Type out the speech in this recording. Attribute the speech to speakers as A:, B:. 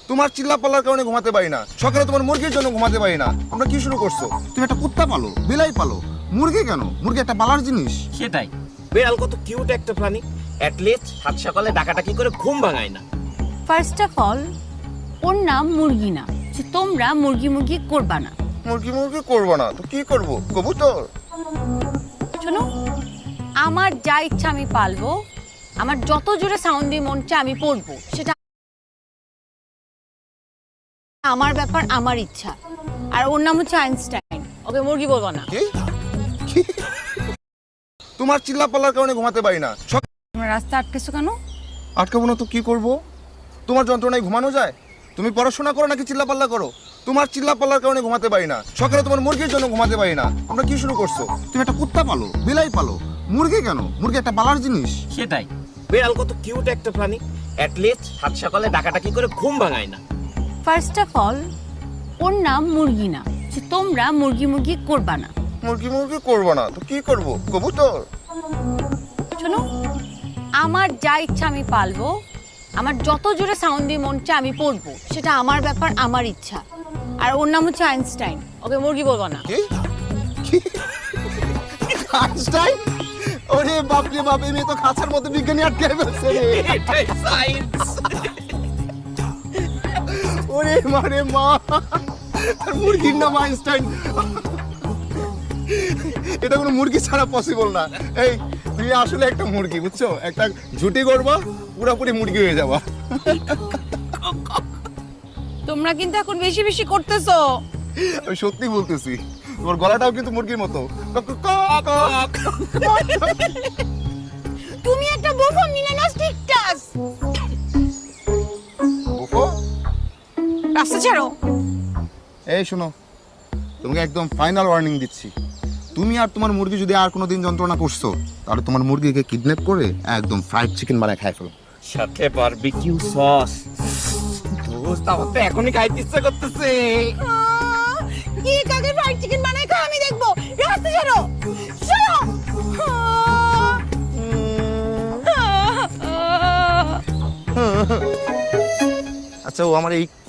A: তোমার চিল্লা পাল্লার কারণে ঘুমাতে পারি না, সকালে তোমার মুরগির জন্য ঘুমাতে পারি না। তোমরা কি শুরু করছো? তুমি একটা কুত্তা পালো, বিলাই পালো, মুরগি কেন? মুরগি একটা পালার জিনিস।
B: সেটাই, বিড়াল কত কিউট একটা প্রাণী, অ্যাটলিস্ট সাত সকালে ডাকাটাকি করে ঘুম ভাঙায় না।
C: ফার্স্ট অফ অল, ওর নাম মুরগি না, যে তোমরা মুরগি মুরগি করবা না।
A: মুরগি মুরগি করবো না তো কি করবো? কবুতর।
C: শোনো, আমার যা ইচ্ছা আমি পালবো, আমার যত জোরে সাউন্ড দিয়ে মন চায় আমি পড়বো, সেটা আমার ব্যাপার, আমার ইচ্ছা। আর ওর নাম হচ্ছে আইনস্টাইন, ওকে মুরগি বলবো না।
A: কি? তোমার চিল্লা পাল্লার কারণে ঘুমাতে পারি না।
C: তোমরা রাস্তা আটকেছো কেন?
A: আটকাবো না তো কি করব? তোমার যন্ত্রণায় ঘুমানো যায়? তুমি পড়াশোনা করো নাকি চিল্লা পাল্লা করো? তোমার চিল্লা পাল্লার কারণে ঘুমাতে পারি না, সকালে তোমার মুরগির জন্য ঘুমাতে পারি না। তোমরা কি শুরু করছো? তুমি একটা কুত্তা পালো, বিলাই পালো, মুরগি কেন? মুরগি একটা পালার জিনিস।
B: সেটাই, বিড়াল কত কিউট একটা প্রাণী, অ্যাটলিস্ট সাত সকালে ডাকাটাকি করে ঘুম ভাঙায় না।
C: ফার্স্ট অফ অল, ওর নাম মুরগি না, যে তোমরা মুরগি মুরগি করবা না।
A: মুরগি মুরগি করবো না তো কি করব? কবুতর।
C: শোনো, আমার যা ইচ্ছা আমি পালবো, আমার যত জোরে সাউন্ড দিয়ে মন চায় আমি পড়বো, সেটা আমার ব্যাপার, আমার ইচ্ছা। আর ওর নাম হচ্ছে আইনস্টাইন, ওকে মুরগি বলবো না।
A: কি? আইনস্টাইন? ওরে বাপ রে বাপ, এই তো খাঁচার মধ্যে বিজ্ঞানী আটকে ফেলছে রে।
B: এটাই সায়েন্স।
A: ওরে মারে মা, আর মুরগির নাম আইনস্টাইন। এটা কোনো মুরগি ছাড়া পসিবল না। এই তুমি আসলে একটা মুরগি, বুঝছো? একটা ঝুটি করবা, পুরোপুরি মুরগি হয়ে যাবা।
C: তোমরা কিন্তু এখন বেশি বেশি করতেছো।
A: আমি সত্যি বলতেছি, তোমার গলাটাও কিন্তু মুরগির মতো।
C: তুমি একটা বোফো মিলানাস্টিক টাস।
A: বুফো?
C: রাস্তা ছাড়ো।
A: এই শোনো, তোমাকে একদম ফাইনাল ওয়ার্নিং দিচ্ছি। তুমি আর তোমার মুরগি যদি আর কোনোদিন যন্ত্রণা করছো, তাহলে তোমার মুরগিকে কিডন্যাপ করে একদম ফ্রাইড চিকেন বানায় খাই ফেলো।
B: সাথে বারবিকিউ সস। দোস্ত, আমার তো এখনই খাইতে ইচ্ছা করতেছে।
C: কি কাকে ফ্রাইড চিকেন বানায় খাও আমি দেখবো। রাস্তা ছাড়ো, ছাড়ো।
A: আচ্ছা, ও আমার এই